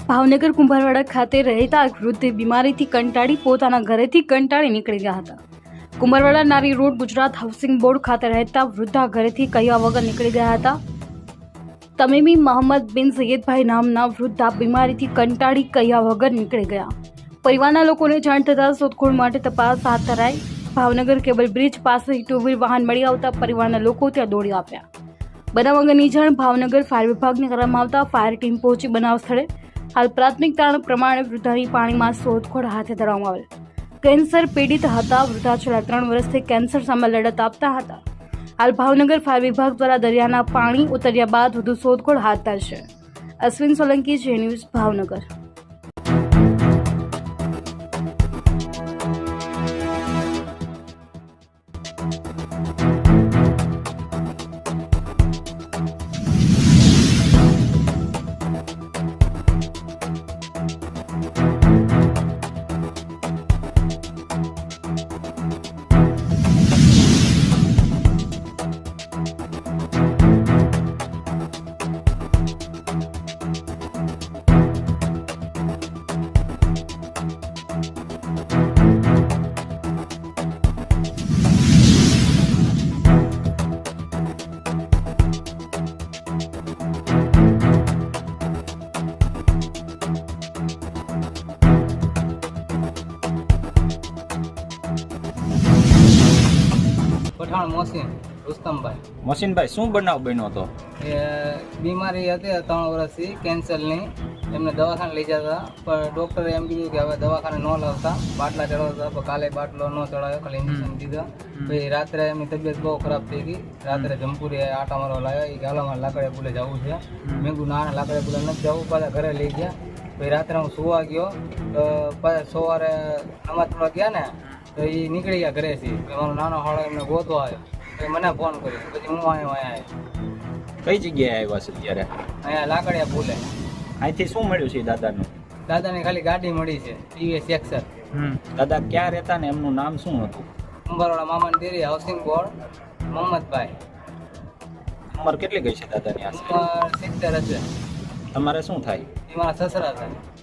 ભાવનગર કુંભારવાડા ખાતે રહેતા એક વૃદ્ધે બીમારીથી કંટાળી પોતાના ઘરેથી કંટાળી નીકળી ગયા હતા. કુંભારવાડા નારી રોડ ગુજરાત હાઉસિંગ બોર્ડ ખાતે રહેતા વૃદ્ધા ઘરેથી કહ્યા વગર નીકળી ગયા હતા. તમીમી મોહમ્મદ બિન સૈયદભાઈ નામના વૃદ્ધા બીમારીથી કંટાળી કહ્યા વગર નીકળી ગયા. પરિવારના લોકોને જાણ થતાં શોધખોળ માટે તપાસ હાથ ધરાઈ. ભાવનગર કેબલ બ્રિજ પાસે ટુ વ્હીલ વાહન મળી આવતા પરિવારના લોકો ત્યાં દોડી આવ્યા. બનાવ અંગેની જાણ ભાવનગર ફાયર વિભાગને કરવામાં આવતા ફાયર ટીમ પહોંચી બનાવ સ્થળે. હાલ પ્રાથમિક તારણ પ્રમાણે વૃદ્ધાની પાણીમાં શોધખોળ હાથ ધરવામાં આવેલ. કેન્સર પીડિત હતા. વૃદ્ધા છેલ્લા 3 વર્ષથી કેન્સર સામે લડત આપતા હતા. હાલ ભાવનગર ફાયર વિભાગ દ્વારા દરિયાના પાણી ઉતર્યા બાદ વધુ શોધખોળ હાથ ધરશે. Ashwin Solanki, J news, Bhavnagar. પઠાણ મોસીન રુસ્તમભાઈ. મોસીનભાઈ, શું બનાવ બન્યો હતો? એ બીમારી હતી 3 વર્ષથી કેન્સરની. એમને દવાખાને લઈ જતા પણ ડૉક્ટરે એમ કીધું કે હવે દવાખાને ન લાવતા, બાટલા ચડાવતા. પણ કાલે બાટલો ન ચડાવ્યો, ખાલી ઇન્જેક્શન દીધા. પછી રાત્રે એમની તબિયત બહુ ખરાબ થઈ ગઈ. રાત્રે જમપુરી આટા મારવા લાવ્યા. એ ગાલામાં લાકડે પુલે જવું છે. મેં કીધું ના લાકડે પુલે નથી જવું. પાછા ઘરે લઈ ગયા. પછી રાત્રે હું સુવા ગયો તો પાછા સવારે નમાજ પડવા ગયા ને તો એ નીકળી ગયા ઘરેથી. મારો નાનો હાળો એમને ગોતવા આવ્યો. પછી મને ફોન કર્યો. પછી હું અહીંયા કઈ જગ્યાએ આવ્યા છે ત્યારે? અહીંયા લાકડિયા પુલે. અહીંથી શું મળ્યું છે દાદાનું? દાદાને ખાલી ગાડી મળી છે, ટીવીએસ એક્સર. દાદા ક્યાં રહેતા ને એમનું નામ શું હતું? કુંભારવાડા મામાની દેરી, હાઉસિંગ બોર્ડ, મોહમ્મદભાઈ. ઉંમર કેટલી ગઈ છે દાદાની? ઉંમર 70 હશે. તમારે શું થાય? એ મારા સસરા થાય.